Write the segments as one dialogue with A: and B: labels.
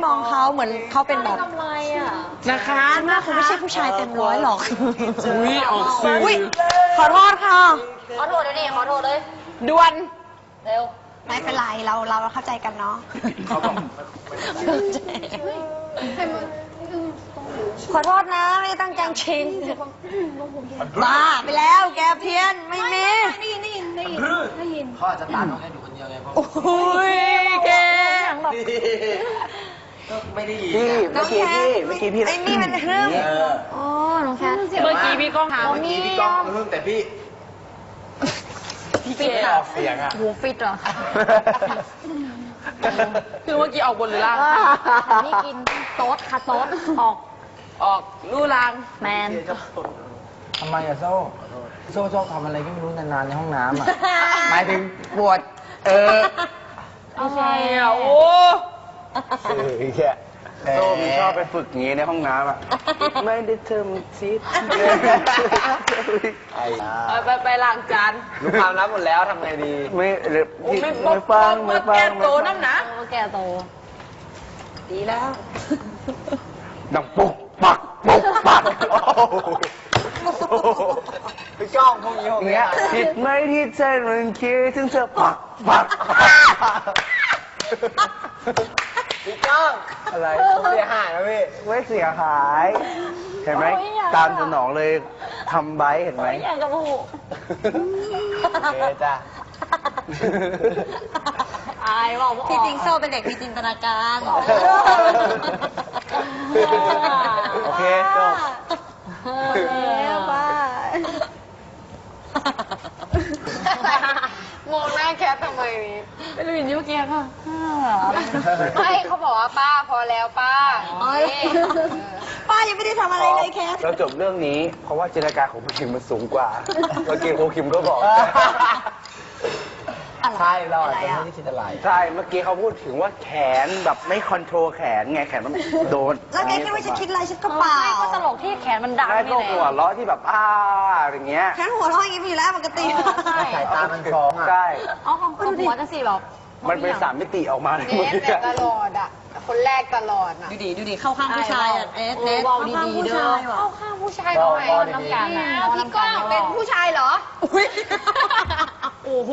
A: มองเขาเหมือนเขาเป็นแบบ
B: ทำไรอ่ะ
C: นะคะ
A: หน้าคงไม่ใช่ผู้ชายเต็มร้อยหรอก
C: อุ้ยออกสื่อ
A: อุ๊ยขอโทษค่ะ
B: ขอโทษเดี๋ยวนี้ขอโทษเลย
C: ด่วน
B: เร็ว
A: ไม่เป็นไรเราเข้าใจกันเนาะขอโทษนะไม่ได้ตั้งใจชิงบ้าไปแล้วแกเพี้ยนไม่มี
B: ได้ยิน
D: เขาอาจจะตามน้องแค่อยู่คนเดียวไงเพราะ
C: อุ้ยแก
D: ก็ไม่ได้ยิน
E: พี่เมื่อกี้พี่
A: ไอ้นี่มันเรื่อง
B: อ๋อ น้องแคท
C: เมื่อกี้พี่ก้องถาม
D: เมื่อกี้พี่ก้องเพิ่งแต่พี่
C: พี่เก
D: ไม่
C: ด
D: ออกเสียงอ่ะ
B: หูฟิตเหรอ
C: คือเมื่อกี้ออกบนหรือล่าง
B: นี่กินโต๊ดค่ะโต๊ด
C: ออกลู่ล่าง
B: แมน
E: ทำไมอะโซ่ชอบทำอะไรก็ไม่รู้นานๆในห้องน้ำอะหมายถึงปวด
C: อะไรอ่ะโอ้
E: แค่โซ่มันชอบไปฝึกอย่างงี้ในห้องน้ำอะไม่ได้เทอมซิด
C: ไปล้างจาน
E: รู้ความลับหมดแล้วทำไงดีไม่
C: โอ้ไม่
E: ฟัง
C: แกโตน้ำหนะ
B: แกโต
A: ดีแล้ว
E: ดังปุ๊กปักปุ๊กปัก
D: พี่ก้องพวกนี้พวก
E: อย่าง
D: เนี้
E: เงี้
D: ย
E: ยผิดไหมที่ใจมันคิดถึงเธอปักปัก
D: พี่ก้อง
E: อะไร
D: เสียหายนะพี่
E: ไม่เสียหาย เห็นไหมตามสนองเลยทำไบเห็นไหม
B: อย่างกับหู
D: โอเคจ้ะ
B: อายบอกว่า
A: ที่จริงโซ่เป็นเด็กมีจินตนาการ
E: โอเคจบ
A: แล้วบ้าม
C: องหน้าแคททำไมนี่เป็นวินยูแกค่ะ
B: ไม่เขาบอกว่าป้าพอแล้วป้า
A: ป้ายังไม่ได้ทำอะไรเลยแคท
E: เราจบเรื่องนี้ เพราะว่าจินตนาการของผู้หญิงมันสูงกว่า เมื่อกี้โคคิมก็บอก
D: ใช่เราอาจจะไม่ได้คิดอะไร
E: ใช่ เมื่อกี้เขาพูดถึงว่าแขนแบบไม่คอนโทรลแขนไง แขนมันโดน
A: แล้วแกคิดว่าฉันคิดอะไรฉันก็เปล่า
B: ก็ตลกที่แขนมันดัง
E: ได้
B: นี่
E: ก็
B: แหละ
E: หัวเราะที่แบบอย่างเงี้ย
A: ฉันหัวเราะอย่างนี้อยู่แล้วปกติ
D: สายตามันฟ้องอ่ะ
E: ใช่
B: เอาของหัวจะสิแบบ
E: มันเป็น3 มิติออกมาเลย
F: เนสเนี่ยตลอดอ่ะ คนแรกตลอดอ่ะ
A: ดูดิเข้าข้างผู้ชายอ่ะเนส
B: เบา
A: เข้าข้าง
B: ดีๆ
A: ผู้
B: เด้อ
A: ชายว่ะ
F: เข้าข้างผู้ชายทำไม
B: น้ำกันนะ
F: อ้าวพี่ก้องเป็นผู้ชายเหรอ
B: โอ้โห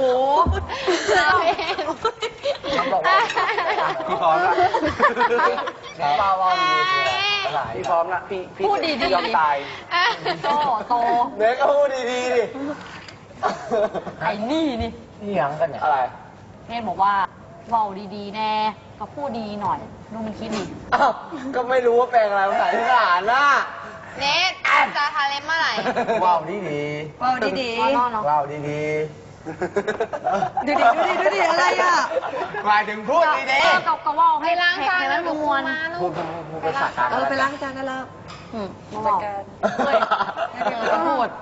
D: เขาบอกว่า
E: พี่พร้อมละ
D: ป้าว่าดีคืออะไร
E: พี่พร้อมละพี่
B: พูดดีๆ
E: ยอมตาย
B: โต
D: เด็กก็พูดดีๆดิ
B: ไอ้นี่นี่
D: นี่ยังกันเนี่ย
E: อะไร
B: เนสบอกว่าเบาดีๆแน่ก็พูดดีหน่อยดูมันคิดดิ
D: อ้าวก็ไม่รู้ว่าแปลงอะไรภาษาอีสานน่ะ
F: เนสจะทาเล็บเมื่อไหร่
D: ว้าวดีดี
A: ว้าวดี
B: นอนเนาะ
D: ว้าวดีดี
A: ๆดูดิอะไรอ่ะ
D: หมายถึงพูดดีดี
B: ก็ว่าให้
F: ไปล้างจาน
B: ให้
F: แล้
B: มั
F: วน หนู
B: มวน
F: มาลู
D: พูด
F: ก
D: ภาษากลาง
A: ไปล้างจานได้แล้ว
B: มาบอกเฮ้ยก็พูด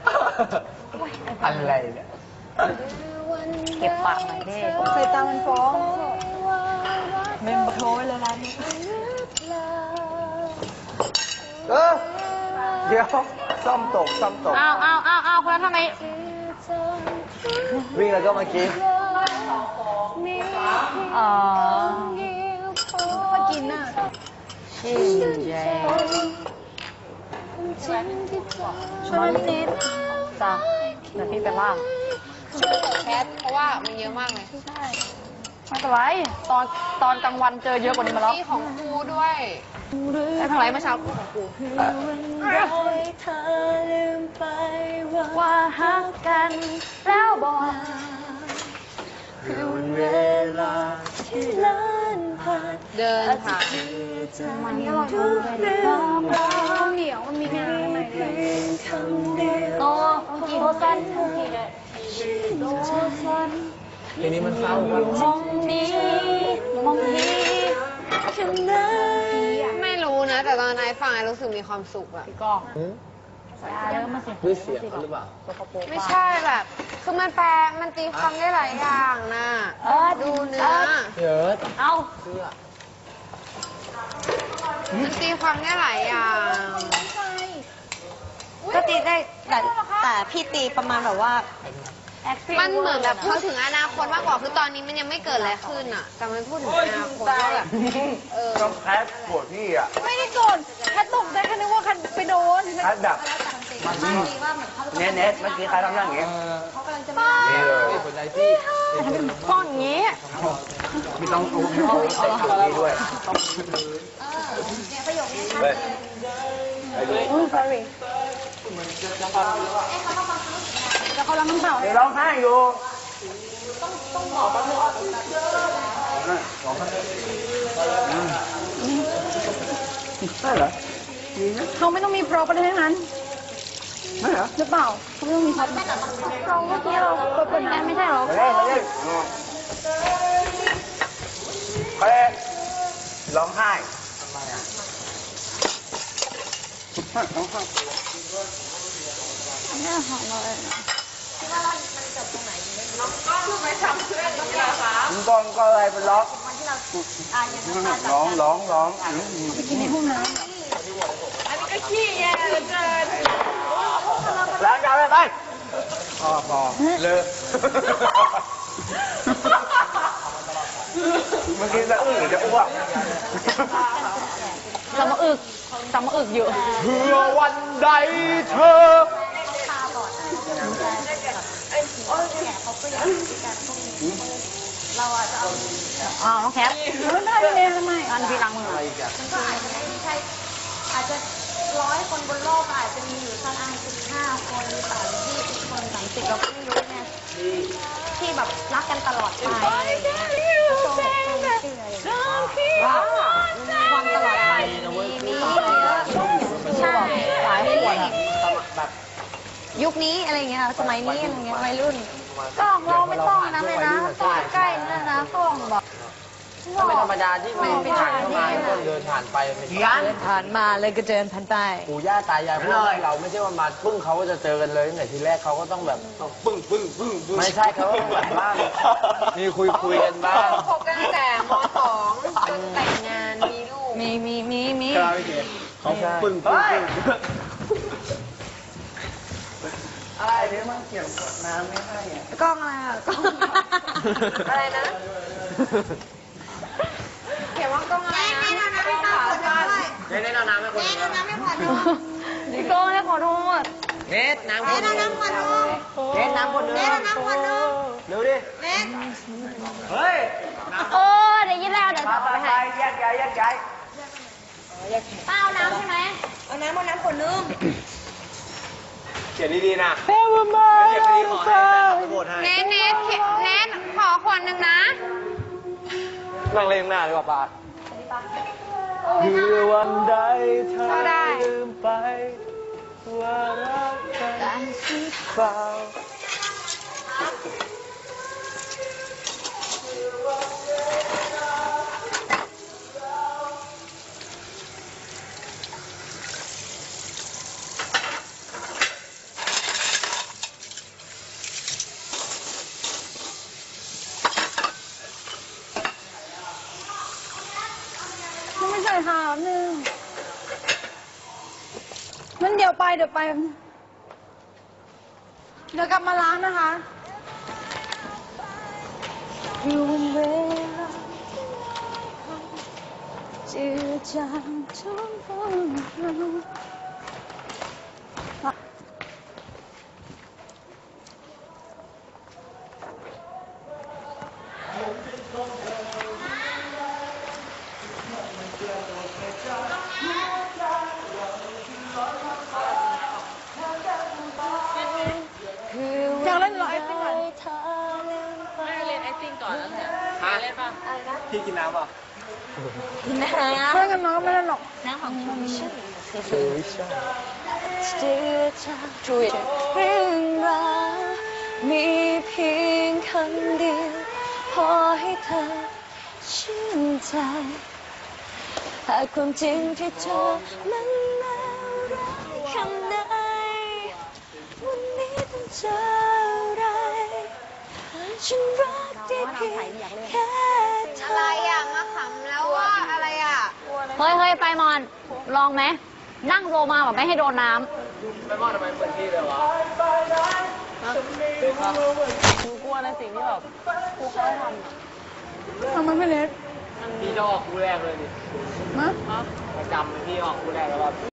D: อะไรเนี่ย
B: เก็บปากหน่อยดิ
A: ใส่ตามันฟ้องเมมโทรไว้เลยร้านนี้
E: เดี๋ยวซ่อมตก
B: อ้าวคนนั้นทำไม
E: วิ่งแล้วก็เมื่อกี้
F: มากินน่ะ
B: ชื่อเจมาลินิดจ้ะเดี๋ยวพี่ไปล่าง
F: แคทเพราะว่ามันเยอะมากเลย
B: ไม่เป็นไรตอนกลางวันเจอเยอะกว่านี้มาแล้ว
F: นี่ของครูด้วย
B: ไอ้ทางไรเมื่อเช้าพูดของกูว่าฮักกันแล้วบอก
E: เวลาที่เลินผ่าน
F: เดินผ่าน
B: มันก็ทุกเรื่อง
F: เหนียวมันมีงานอะไรด้วย
B: โตกี่โตสั้นกี่เลยโตสั้น
D: ทีนี้มันเศร้ากัน
B: มองนี้มองนี้ขนาด
F: ไม่รู้นะ แต่ตอนนายฟังไอ้รู้สึกมีความสุขอะ
B: พี่ก็เริ่มมาสิ
D: ด้วยเสียงหรือเปล่า
F: ไม่ใช่แบบ คือมันแปลมันตีความได้หลายอย่างนะ ดูเนื้อ
D: เยอะ
B: เอา
D: เสื้อ
F: มันตีความได้หลายอย่าง
A: ก็ตีได้แต่พี่ตีประมาณแบบว่า
F: มันเหมือนแบบเขาถึงอนาคตมากกว่าคือตอนนี้มันยังไม่เกิดอะไรขึ้นอ่ะแต่มันพูดถึงอนาคตว่าแบบ
E: ก็แพ้ปวดพี่อ่ะ
B: ไม่ได้โกรธแค่ตกใจแค่นึกว่าคันไปโดน
E: แพ้ดับเน็ตเมื่อกี้ใครทำอย่างเงี้ยนี่เลย
D: คนใจพี่
B: ป้อนอย่างนี้
E: ไม่ต้องรู้ไม่ต้องใส่ถุงนี้ด้วยเฮ้ยไปดู
B: sorry แล้วเขาล้างน้ำเปล่า
E: เดี๋ยวร้องไห้อยู่ได้เหรอ
B: เขาไม่ต้องมีโปรประเด็นนั้น
E: ไม่เหรอ
B: หรือเปล่าเขาไม่ต้องมีโปรเราเมื่อกี้เราเปิดกันไม่ใช่หรอ
E: ไปเล่นไปเล่นไปร้องไห้ทำไมอ่ะร้องไห้
B: ไม่หอมเลย
E: มึงกองก็อะไรเป็นล็อกร้อง
B: ไปกินในห้องน้
E: ล้างจานไปพอเลิกเมื่อกี้จะอื้อหรือจะอ้วก
B: ำเรามาอึกอยู่
E: เพื่อวันใดเธอ
B: อ๋อน้องแคปไม่ได้เลยทำไมอันพี่ล้างมือ
A: อาจจะ100 คนบนโลกอาจจะมีอยู่สัก15 คนหรือ20 คน30เราก็ไม่รู้ไงที่แบบรักกันตลอดไปความตลอดไปมีใช่หลายคนแบบยุคนี้อะไรเงี้ยสมัยนี้อะไรเงี้ยวัยรุ่นกล้องเราไม่ต้องนะเลยนะกล้องใกล้นั่นนะกล้องแบบ
D: ถ้าเป็นธรรมดาที่ไม่ผ่านเข้ามาคนเดินผ่านไปไม่ใช่
A: เดินผ่านมาเลยก็เดินผ่านไป
D: ปู่ย่าตายายพวกเราไม่ใช่ว่ามาปึ้งเขาก็จะเจอกันเลยตั้งแต่ทีแรกเขาก็ต้องแบบปึ้งไม่ใช่เขาต้องแบบบ้างมีคุยกันบ้าง
F: คบกันตั้งแต่ม .2 จนแต่งงานมีลูก
A: มี
E: เขาปึ้งอะไรเนี่ยมันเกี่ยวกับน้ำไม่ให้อ่ะ
A: กล้องอะไรอ่ะกล้อง
F: อะไรนะเขียนว่ากล้องอะไรนะกล้องขาสั้น
D: เน้นเอาน้ำให้คนอื่น
A: น้ำไม่พอดู
B: พี่ก้องให้ขอโทษ
D: เน็ตน้ำคนอื่น
A: น้ำพอดู
D: เน็ตน้ำคนอื่น
A: น้ำพอดู
D: เร็วดิ
A: เน็ต
E: เฮ้ย
B: เดี๋ยวยินแล้วเดี๋ยว
E: มา
B: เอา
E: ไป
B: ไปให้
E: แยกย้าย
B: ป้าเอาน้ำใช่ไหม
A: เอาน้ำคนนึง
E: เขียนดีๆนะ
D: เก็บไปดีขอให้ขอโทษให้
F: เน้นขอขวดหนึ่งนะ
D: นั่งเล่นหน้าดีกว่าป้า
E: เพื่อวันใดเธอ
F: เอาได้
E: ลืมไปว่ารักกันเปล่า
B: ไม่ใส่หาวนึงมันเดี๋ยวไปเดี๋ยวกลับมาล้างนะคะอยู่บนเวลาจืดจางทุกคนอยากเล่นเหรอไอติมก่อน
C: ไม่เรียน acting ก่อนแล้วเนี่ยเล่นป่ะ
E: พี่กินน้ำป่ะ
A: น้
B: เพื่อนกันน้องก็ไม่เล่นหรอก
A: ำของคุณมิชชั่น
E: เฮ้ยใช่
A: จืดจางเรื่องราวมีเพียงคำเดียวพอให้เธอชื่นใจหากความจริงที่เธอนั้นแล้วรักคำใดวันนี้ต้องเจออะไรฉันรักได้เพียงแค่เธ
F: อะไร
A: อ
F: อ่ะมาขำแล้วว่าอะไรอ่ะ
B: เฮ้ยไปมอนลองไหมนั่งโรมาแบบไม่ให้โดนน้
D: ไม่ว่าทำไมเปิดที่เลยวะ
F: ฮ
C: หนูกลัวในสิ่งที่แบบครูเขาให้ทำอะ
A: ทำไมไม่เล็ก
C: พี่จะออกคู่แรกเลยดิ
A: มา
C: ประจำเลยพี่ออกคู่แรกแล้วแบบ